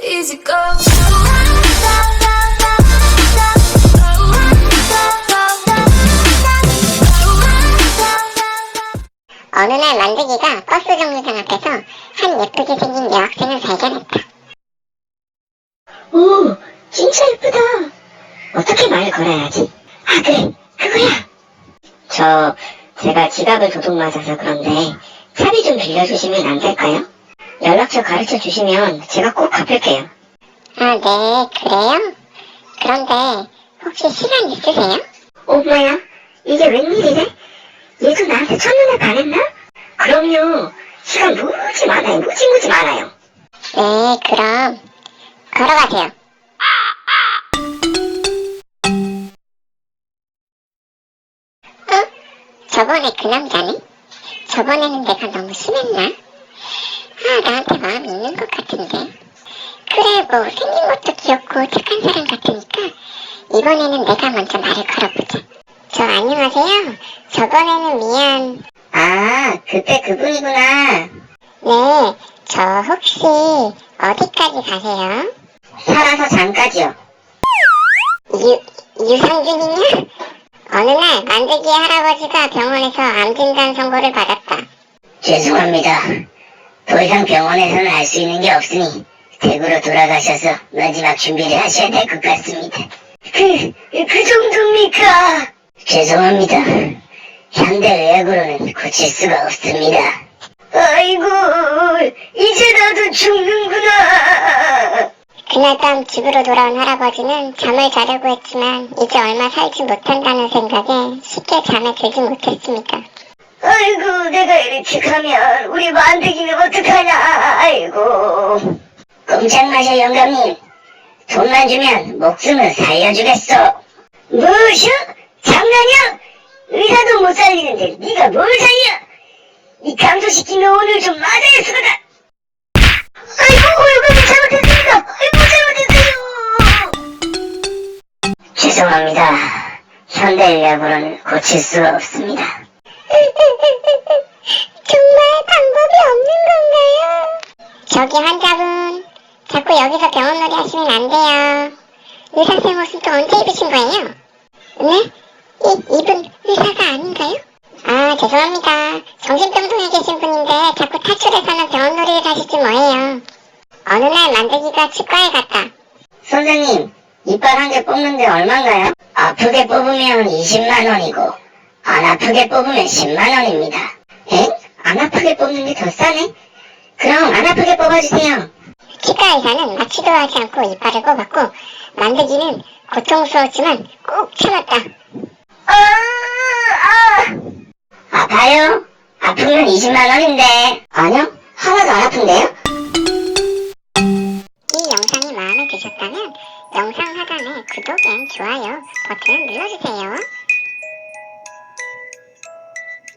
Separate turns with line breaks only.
easy go.
어느 날 만드기가 버스 정류장 앞에서 한 예쁘게 생긴 여학생을 발견했다.
오, 진짜 예쁘다. 어떻게 말을 걸어야지? 아, 그래, 그거야. 제가 지갑을 도둑 맞아서 그런데 차비 좀 빌려주시면 안 될까요? 연락처 가르쳐 주시면 제가 꼭 갚을게요.
아, 네, 그래요? 그런데 혹시 시간 있으세요?
뭐야? 이게 웬일이래? 얘도 나한테 첫눈에 반했나? 그럼요. 시간 무지 많아요. 무지 많아요.
네, 그럼 걸어가세요. 저번에 그 남자네? 저번에는 내가 너무 심했나? 나한테 마음이 있는 것 같은데. 그래, 뭐 생긴 것도 귀엽고 착한 사람 같으니까 이번에는 내가 먼저 말을 걸어보자. 저 안녕하세요. 저번에는 미안.
아, 그때 그분이구나.
네, 저 혹시 어디까지 가세요?
살아서 잠까지요.
유상준이냐? 어느 날 만들기 할아버지가 병원에서 암 진단 선고를 받았다.
죄송합니다. 더 이상 병원에서는 할 수 있는 게 없으니 댁으로 돌아가셔서 마지막 준비를 하셔야 될 것 같습니다. 그 정도입니까? 죄송합니다. 현대의학으로는 고칠 수가 없습니다. 아이고, 이제 나도 죽는구나.
그날 밤 집으로 돌아온 할아버지는 잠을 자려고 했지만 이제 얼마 살지 못한다는 생각에 쉽게 잠에 들지 못했습니다.
아이고, 내가 이렇게 가면 우리 만들기는 어떡하냐. 아이고. 꼼짝 마셔, 영감님. 돈만 주면 목숨을 살려주겠어. 뭐셔? 장난이야? 의사도 못 살리는데 네가 뭘 살려? 이 강도시키면 오늘 좀 맞아야 쓰거든. 아이고, 영감님 잘못했습니다. 아이고, 잘못했어요. 죄송합니다. 현대의학으로는 고칠 수가 없습니다.
정말 방법이 없는 건가요? 저기 환자분, 자꾸 여기서 병원놀이 하시면 안 돼요. 의사생 옷은 또 언제 입으신 거예요? 네? 이분 의사가 아닌가요? 아, 죄송합니다. 정신병동에 계신 분인데 자꾸 탈출해서는 병원놀이를 하시지 뭐예요. 어느 날 만들기가 치과에 갔다.
선생님, 이빨 한 개 뽑는데 얼마인가요? 아프게 뽑으면 20만 원이고 안 아프게 뽑으면 10만 원입니다. 엥? 안 아프게 뽑는 게 더 싸네? 그럼 안 아프게 뽑아주세요.
치과 의사는 마취도 하지 않고 이빨을 뽑았고 만들기는 고통스러웠지만 꼭 참았다.
아파요? 아프면 20만 원인데. 아니요, 하나도 안 아픈데요?
이 영상이 마음에 드셨다면 영상 하단에 구독 앤 좋아요 버튼을 눌러주세요.